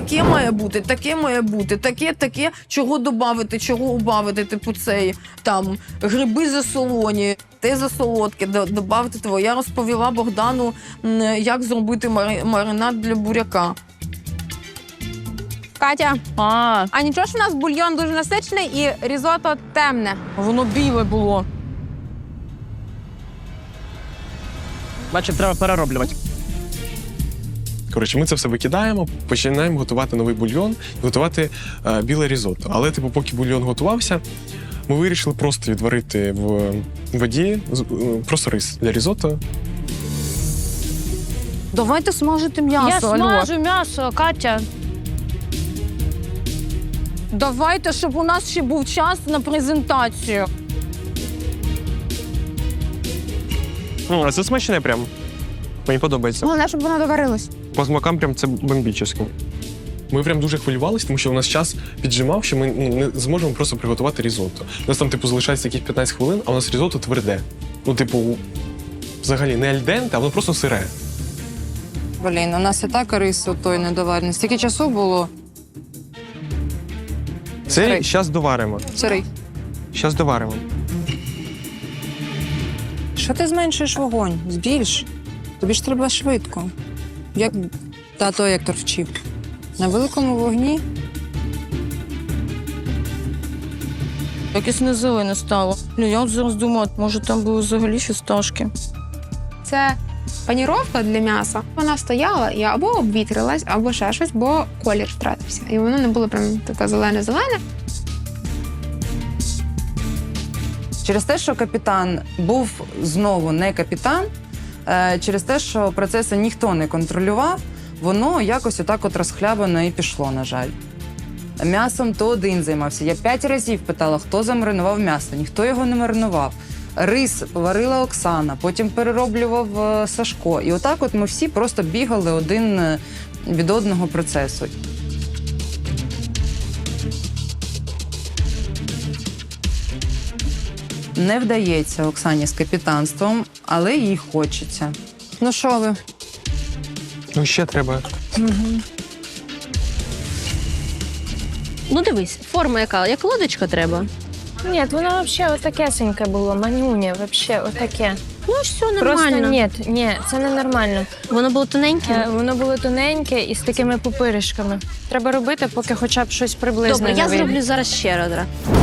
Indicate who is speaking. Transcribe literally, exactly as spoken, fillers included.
Speaker 1: таке має бути, таке має бути, таке, таке, чого додати, чого убавити, типу цей, там, гриби засолоні, те засолодке, додати того. Я розповіла Богдану, як зробити маринад для буряка.
Speaker 2: Катя,
Speaker 3: А,
Speaker 2: а нічого ж у нас бульйон дуже насичений і різото темне.
Speaker 3: воно біле було. Бачив, треба перероблювати.
Speaker 4: Коротше, ми це все викидаємо, починаємо готувати новий бульйон, готувати е, біле різотто. Але, типу, поки бульйон готувався, ми вирішили просто відварити в воді з- е, просто рис для різотто.
Speaker 1: Давайте смажити м'ясо,
Speaker 3: Я
Speaker 1: алло.
Speaker 3: смажу м'ясо, Катя.
Speaker 1: Давайте, щоб у нас ще був час на презентацію.
Speaker 5: Ну, а це смачне прям. Мені подобається.
Speaker 2: Головне, щоб воно доварилось.
Speaker 5: По смакам прям це бомбічно.
Speaker 4: Ми прям дуже хвилювалися, тому що у нас час піджимав, що ми ну, не зможемо просто приготувати різотто. У нас там, типу, залишається якісь п'ятнадцять хвилин, а у нас різотто тверде. Ну, типу, взагалі не альденте, а воно просто сире.
Speaker 6: Блін, у нас і так рис той недоварений. Стільки часу було.
Speaker 5: Це
Speaker 6: Сирий.
Speaker 5: зараз доваримо.
Speaker 6: Сирий.
Speaker 5: Зараз доваримо.
Speaker 6: Що ти зменшуєш вогонь? Збільш. Тобі ж треба швидко. Як тато Ектор вчив. На великому вогні.
Speaker 3: Якесь не зелене стало. Ну, я от зараз думаю, може там були взагалі фісташки.
Speaker 2: Це паніровка для м'яса. Вона стояла і або обвітрилась, або ще щось, бо колір втратився. І воно не було прям таке зелене-зелене.
Speaker 6: Через те, що капітан був знову не капітан, е, через те, що процеси ніхто не контролював, воно якось отак от розхлябано і пішло, на жаль. М'ясом то один займався. Я п'ять разів питала, хто замаринував м'ясо. Ніхто його не маринував. Рис варила Оксана, потім перероблював е, Сашко. І отак от ми всі просто бігали один е, від одного процесу. Не вдається Оксані з капітанством, але їй хочеться.
Speaker 2: Ну що ви?
Speaker 5: Ну, ще треба.
Speaker 7: Ну дивись, форма яка, як лодочка треба.
Speaker 8: Ні, воно взагалі отакесеньке було, манюня, взагалі отаке.
Speaker 7: Ну все
Speaker 8: Просто
Speaker 7: нормально.
Speaker 8: ні, ні, це не нормально.
Speaker 7: Воно було тоненьке.
Speaker 8: Е, Воно було тоненьке і з такими пупиришками. Треба робити, поки хоча б щось приблизне
Speaker 7: Добре,
Speaker 8: не
Speaker 7: я
Speaker 8: вийде.
Speaker 7: зроблю зараз ще раз.